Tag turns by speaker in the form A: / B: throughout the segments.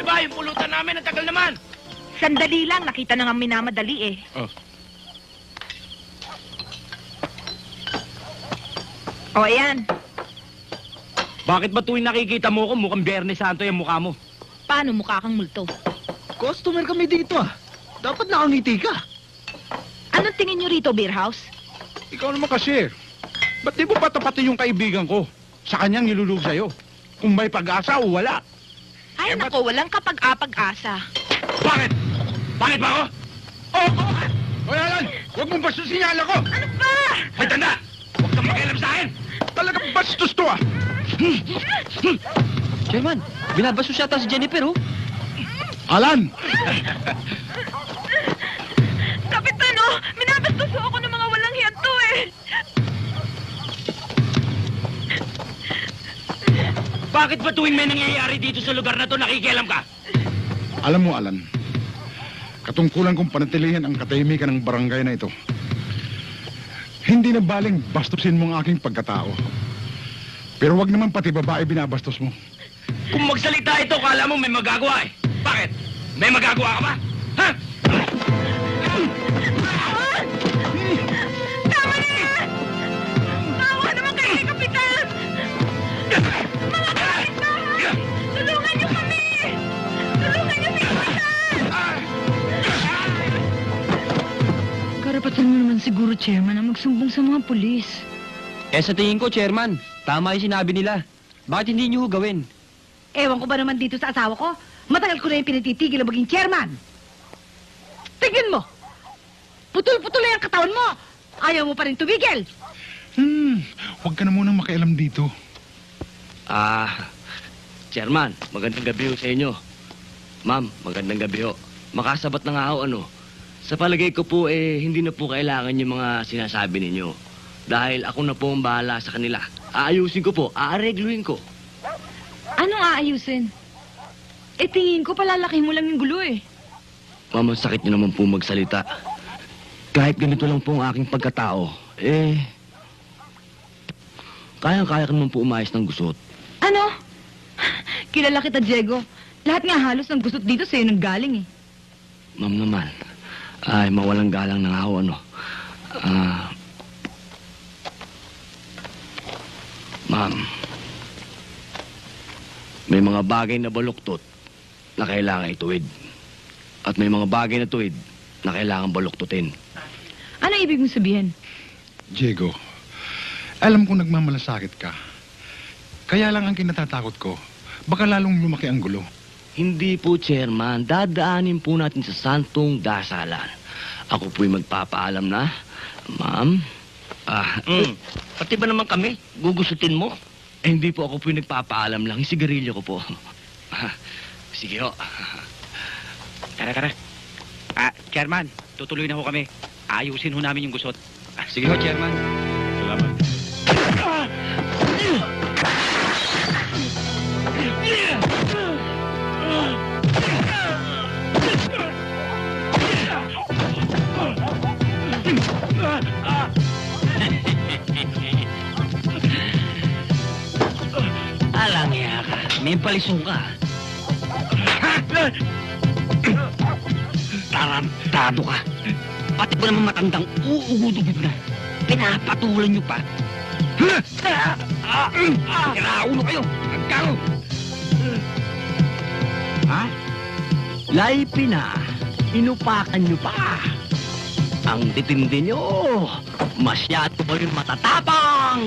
A: ba? Yung pulutan namin, ang tagal naman.
B: Sandali lang, nakita na nga minamadali eh.
A: Oh.
B: O, ayan.
A: Bakit ba tuwing nakikita mo ko, mukhang Biyernes Santo yung mukha mo?
B: Paano mukha kang multo?
C: Customer kami dito ah. Dapat nakangiti ka.
B: Anong tingin nyo rito, beer house?
D: Ikaw naman kasi. Ba't di mo pa tapatin yung kaibigan ko? Sa kanyang nilulog sa'yo. Kung may pag-asa o wala.
B: Ay, nako, walang kapag-apag-asa.
D: Bakit? Bakit ba ako? Oo! Hoy, Alan! Huwag mong bastusin yung ko!
B: Ano ba?
D: May tanda! Huwag kang makialam sa akin! Talagang bastos to ah!
C: Chairman, binabaso siya si Jennifer oh.
D: Alan!
B: Kapitan, oh! Minabastos ako ng mga walang hiyanto eh!
A: Bakit ba tuwing may nangyayari dito sa lugar na to, nakikialam ka?
D: Alam mo, Alan, katungkulan kong panatilihin ang katahimikan ng barangay na ito. Hindi na baling bastusin mo ang aking pagkatao. Pero wag naman pati babae binabastos mo.
A: Kung magsalita ito, kala mo may magagawa eh. Bakit? May magagawa ka ba? Ha?
B: Tama na yan! Tawa naman kayo ni Kapitan! Mga kapitbahay! Tulungan niyo kami! Tulungan niyo si Kapitan!
E: Karapatan mo naman siguro, Chairman, na magsumbong sa mga pulis.
C: Eh sa tingin ko, Chairman, tama yung sinabi nila. Bakit hindi niyo ho gawin?
E: Ewan ko ba naman dito sa asawa ko? Matagal ko na yung pinatitigil na maging chairman. Tignan mo! Putol-putol na yung katawan mo! Ayaw mo pa rin tumigil!
D: Huwag ka na munang makialam dito.
A: Chairman, magandang gabi ho sa inyo. Ma'am, magandang gabi ho. Makasabat na nga ho, ano. Sa palagay ko po, hindi na po kailangan yung mga sinasabi ninyo. Dahil ako na po ang bahala sa kanila. Aayusin ko po, aaregluhin ko.
E: Anong aayusin? Tingin ko palalaki mo lang yung gulo eh.
A: Ma'am, ang sakit niyo naman po magsalita. Kahit ganito lang po ang aking pagkatao, kayang-kaya ka naman po umayos ng gusot.
E: Ano? Kilala kita, Diego. Lahat nga halos ng gusot dito sa'yo nang galing eh.
A: Ma'am naman, ay mawalang galang na nga ho, ano. Ma'am, may mga bagay na baluktot na kailangan ituwid. At may mga bagay na tuwid na kailangan baluktutin.
E: Ano ibig mong sabihin?
D: Diego, alam kong nagmamalasakit ka. Kaya lang ang kinatatakot ko, baka lalong lumaki ang gulo.
A: Hindi po, Chairman. Dadaanin po natin sa santong dasalan. Ako po'y magpapaalam na. Ma'am? Pati ba naman kami? Gugusutin mo? Hindi po, ako po'y nagpapaalam lang. Yung sigarilyo ko po. Sige ho.
F: Kara. Chairman, tutuloy na ho kami. Ayusin ho namin yung gusot.
C: Sige ho, Chairman.
D: Salamat.
A: Alang ya ka. May palisong ka. Tarantado ka. Pati ba naman matandang uugudugod na? Pinapatulan niyo pa. Kiraulo kayo. Nagkaro. Ha? Laipi na. Inupakan niyo pa. Ang titindi niyo. Masyado kayong matatapang.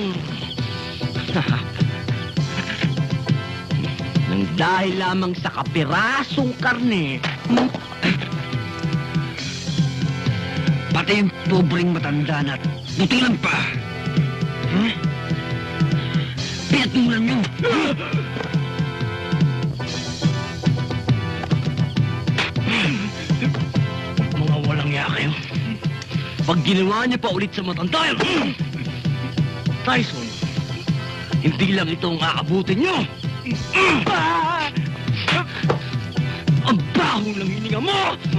A: Nang dahil lamang sa kapirasong karne, pati yung pobreng matanda na butilan pa. Pinatulan nyo. Mga walang ya kayo. Pag ginawa niyo pa ulit sa matanda yun, Tyson, hindi lang ito ang aabutin nyo. Ang baho ng hininga mo!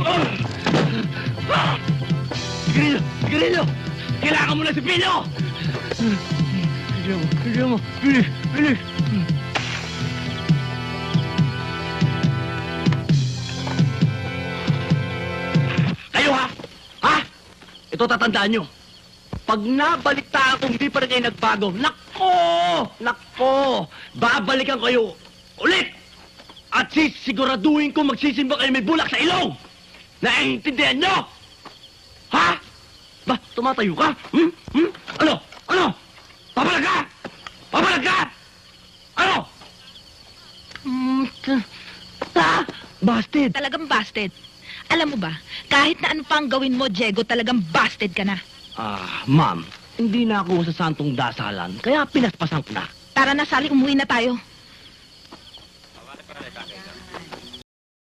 A: Grillo! Kailangan mo na si Pino! Kailangan mo! Bilis! ito tatandaan nyo. Pag nabalitaan kung hindi pa rin kayo nagbago, nako, babalikan kayo ulit. At sisiguraduhin ko magsisimba kayo may bulak sa ilong. Naiintindihan nyo? Ha? Ba, tumatayo ka? Ano? Ano? Papalag ka? Papalag ka? Ano? Busted.
B: Talagang busted. Alam mo ba, kahit na ano pang gawin mo, Diego, talagang busted ka na.
A: Ma'am, hindi na ako sa santong dasalan, kaya pinaspasan ko na.
B: Tara na, Sally, umuwi na tayo.